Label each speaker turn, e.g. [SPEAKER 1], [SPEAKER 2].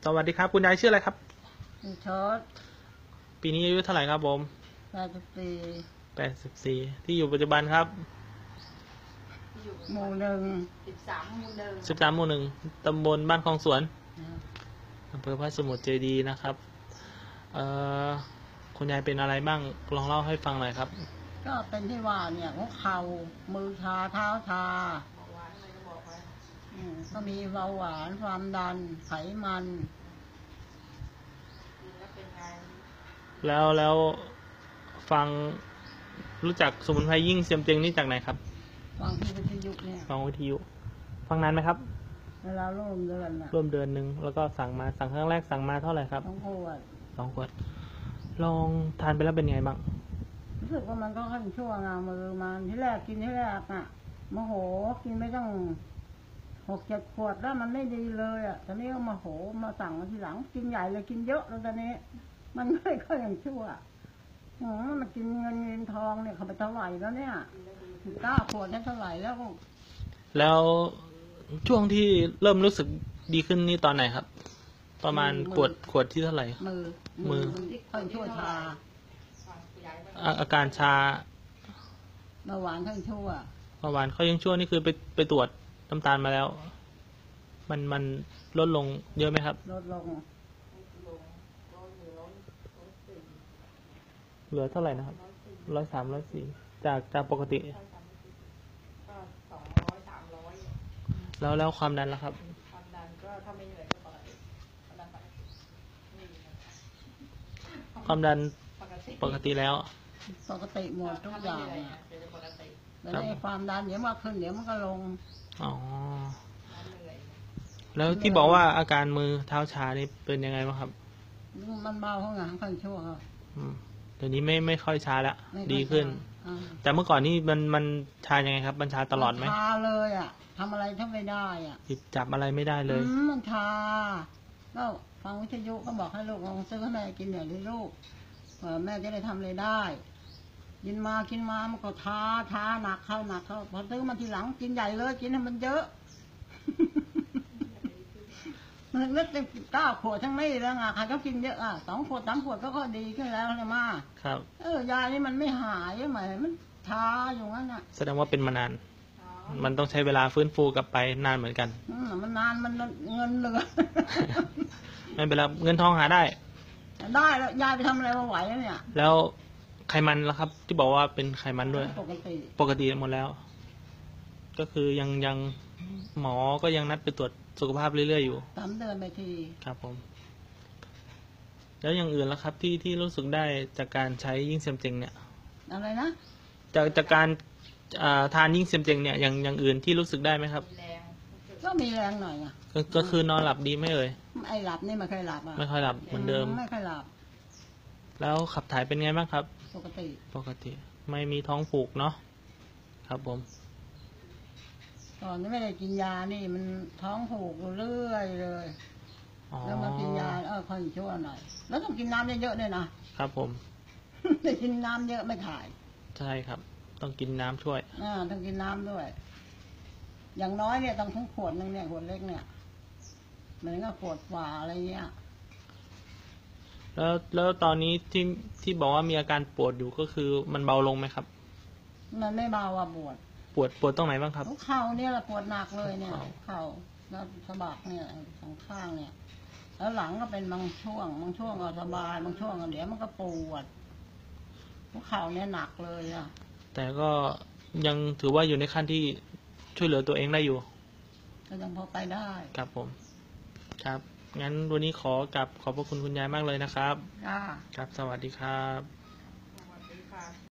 [SPEAKER 1] สวัสดีครับคุณยายชื่ออะไรครับ
[SPEAKER 2] ชอต
[SPEAKER 1] ปีนี้อายุเท่าไหร่ครับผม84ที่อยู่ปัจจุบันครับ
[SPEAKER 2] หมู่หนึ่ง
[SPEAKER 1] 13หมู่1ตำบลบ้านคลองสวนอำเภอพระสมุทรเจดีย์นะครับคุณยายเป็นอะไรบ้างลองเล่าให้ฟังหน่อยครับ
[SPEAKER 2] ก็เป็นที่ว่าเนี่ยหัวเข่ามือชาเท้าชาก็มีเบาหวานความดันไขมัน
[SPEAKER 1] แล้วฟังรู้จักสมุนไพรยิ่งเซียมเจงนี่จากไหนครับ
[SPEAKER 2] ฟังที่วิทยุเนี่ย
[SPEAKER 1] ฟังวิทยุฟังนานไหมครับ
[SPEAKER 2] เวลาร่วมเดือน
[SPEAKER 1] ร่วมเดือนหนึ่งแล้วก็สั่งครั้งแรกสั่งมาเท่าไหร่ครับ2 ขวดลองทานไปแล้วเป็นไงบ้าง
[SPEAKER 2] รู้สึกว่ามันก็ขั้นชั่วงามือมันที่แรกกินที่แรกอ่ะโมโหกินไม่ต้อง6-7 ขวดแล้วมันไม่ดีเลยอ่ะตอนนี้ก็โมโหมาสั่งมาทีหลังกินใหญ่เลยกินเยอะแล้วตอนนี้มันไม่ค่อยอย่างชั่วมันกินเงินทองเนี่ยเขาไปเท่าไหร่แล้วเนี่ย9 ขวดนี่เท่าไหร่
[SPEAKER 1] แล้วช่วงที่เริ่มรู้สึกดีขึ้นนี่ตอนไหนครับประมาณขวดที่เท่าไหร่มือ
[SPEAKER 2] ค่อยชั่วชา
[SPEAKER 1] อาการชา
[SPEAKER 2] เบาหวานค่อยชั่ว
[SPEAKER 1] เบาหวานเขายังชั่วนี่คือไปตรวจน้ำตาลมาแล้วมันลดลงเยอะไหมครับ
[SPEAKER 2] ลดลง
[SPEAKER 1] เหลือเท่าไหร่นะครับ103 104จากปกติแล้วความดันล่ะครับ
[SPEAKER 2] ความดันก็ถ้าไม่เหนื่อยก็ปกติ
[SPEAKER 1] ความดันปกติแล้ว
[SPEAKER 2] ปกติหมดทุกอย่างแต่ในความดันเดี๋ยวมาขึ้นเดี๋ยวมันก็ลง
[SPEAKER 1] อ๋อแล้วที่บอกว่าอาการมือเท้าชานี่เป็นยังไงบ้างครับ
[SPEAKER 2] มันเบาข้างหลังค่อยชั่วครับ
[SPEAKER 1] เดี๋ยวนี้ไม่ค่อยชาแล้วดีขึ้นแต่เมื่อก่อนนี่มันชายังไงครับมันชาตลอดไหม
[SPEAKER 2] ชาเลยอ่ะทำอะไรถ้าไม่ได้อ่ะ
[SPEAKER 1] จับอะไรไม่ได้เลย
[SPEAKER 2] มันชาก็ฟังวิทยุก็บอกให้ลูกลองซื้อให้แม่กินหน่อยดิลูกแม่จะได้ทำอะไรได้กินมามันก็ท้าหนักเข้าพอซื้อมาทีหลังกินใหญ่เลยกินให้มันเยอะมันเล็ก9 ขวดทั้งนี้แล้วใครก็กินเยอะ2 ขวด 3 ขวดก็ดีขึ้นแล้วเลยมา
[SPEAKER 1] ครับ
[SPEAKER 2] ยานี่มันไม่หายใช่ไหมมันท้าอยู่งั้นน่ะ
[SPEAKER 1] แสดงว่าเป็นมานานมันต้องใช้เวลาฟื้นฟูกลับไปนานเหมือนกัน
[SPEAKER 2] มันนานมันเงินเหลือ
[SPEAKER 1] ไม่เป็นไรเงินทองหาได้
[SPEAKER 2] แล้วยายไปทำอะไรมาไหวแล้วเนี่ย
[SPEAKER 1] แล้วไขมันล่ะครับที่บอกว่าเป็นไขมันด้วยปกติหมดแล้วก็คือยังหมอก็ยังนัดไปตรวจสุขภาพเรื่อยๆอยู่
[SPEAKER 2] 3 เดือนไปที
[SPEAKER 1] ครับผมแล้วอย่างอื่นล่ะครับที่รู้สึกได้จากการใช้ยิ่งเซียมเจงเนี่ย
[SPEAKER 2] อะไรนะ
[SPEAKER 1] จากการทานยิ่งเซียมเจงเนี่ยอย่างอื่นที่รู้สึกได้ไหมครับ
[SPEAKER 2] ก็มีแรงหน่อย
[SPEAKER 1] ก็คือนอนหลับดีไหมเอ่ย
[SPEAKER 2] หลับนี่ไม่ค่อยหลับ
[SPEAKER 1] ไม่ค่อยหลับเหมือนเดิม
[SPEAKER 2] ไม่ค่อยหลับ
[SPEAKER 1] แล้วขับถ่ายเป็นไงบ้างครับ
[SPEAKER 2] ปกติ
[SPEAKER 1] ไม่มีท้องผูกเนาะครับผม
[SPEAKER 2] ตอนนี้ไม่ได้กินยานี่มันท้องผูกเรื่อยเลยแล้วมากินยาค่อยชั่วหน่อยแล้วต้องกินน้ำเยอะๆด้วย
[SPEAKER 1] นะครับผม
[SPEAKER 2] แต่กินน้ำเยอะไม่ถ่าย
[SPEAKER 1] ใช่ครับต้องกินน้ำช่วย
[SPEAKER 2] ต้องกินน้ำด้วยอย่างน้อยเนี่ยต้องทั้งขวดนึงเนี่ยขวดเล็กเนี่ยเหมือนกับขวดฝาอะไรเงี้ย
[SPEAKER 1] แล้วตอนนี้ที่บอกว่ามีอาการปวดอยู่ก็คือมันเบาลงไหมครับ
[SPEAKER 2] มันไม่เบา
[SPEAKER 1] ปวดตรงไหนบ้างครับ
[SPEAKER 2] เข่าเนี่ยแหละปวดหนักเลยเนี่ยเข่าแล้วสะบักเนี่ย2 ข้างเนี่ยแล้วหลังก็เป็นบางช่วงก็สบายบางช่วงก็เดี๋ยวมันก็ปวดเข่าเนี่ยหนักเลย
[SPEAKER 1] แต่ก็ยังถือว่าอยู่ในขั้นที่ช่วยเหลือตัวเองได้อยู่
[SPEAKER 2] ก็ยังพอไปได้
[SPEAKER 1] ครับผมครับงั้นวันนี้ขอบพระคุณคุณยายมากเลยนะครับครับ
[SPEAKER 2] ส
[SPEAKER 1] วัสดีครับ